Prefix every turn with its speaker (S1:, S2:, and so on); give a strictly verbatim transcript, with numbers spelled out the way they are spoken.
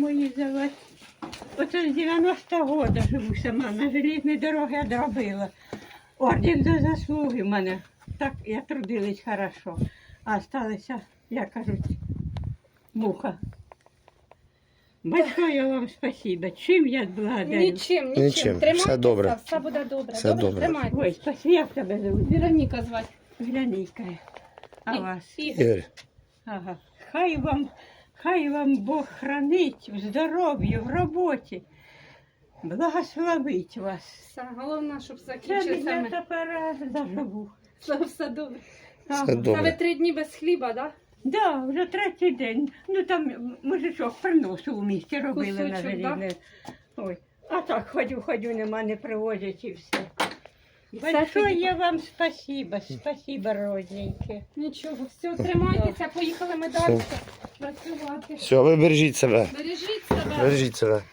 S1: мої завод. Оце з дев'яностого року живу сама, на железній дорогі одробила. Орден за заслуги в мене. Так, я трудилась хорошо. А осталася, як кажуть, муха. Большое вам спасибо. Чим я благодарю?
S2: Нічим, нічим.
S3: Нічим.
S2: Тримайтеся,
S3: Все добре.
S2: все буде добре.
S3: Все
S2: добре,
S3: добре.
S2: тримайтеся.
S1: Ой, спасибо, як тебе зовут?
S2: Вероніка звати.
S1: Глянійка. А
S2: І-
S1: вас?
S2: Ігор.
S3: Ігор,
S1: Ага. Хай вам, хай вам Бог хранить в здоров'ї, в роботі. Благословить вас.
S2: Все, головне, щоб
S1: Це
S2: закінчився.
S1: я
S2: ми-
S1: тепер заживу.
S2: Все, все добре.
S1: Ага.
S3: все
S2: Та ви
S3: добре.
S2: три дні без хліба, так?
S1: Да, вже третій день. Ну там мужичок приносив у місті, робили на
S2: Кусочок,
S1: желізне. Ой. А так ходю, ходю, нема, не привозять і все.
S2: Все
S1: Большое
S2: тоді.
S1: вам спасибо, спасибо, родненькі.
S2: Нічого, все, тримайтеся, поїхали ми далі працювати.
S3: Все, ви бережіть себе.
S2: Бережіть себе.
S3: Бережіть себе.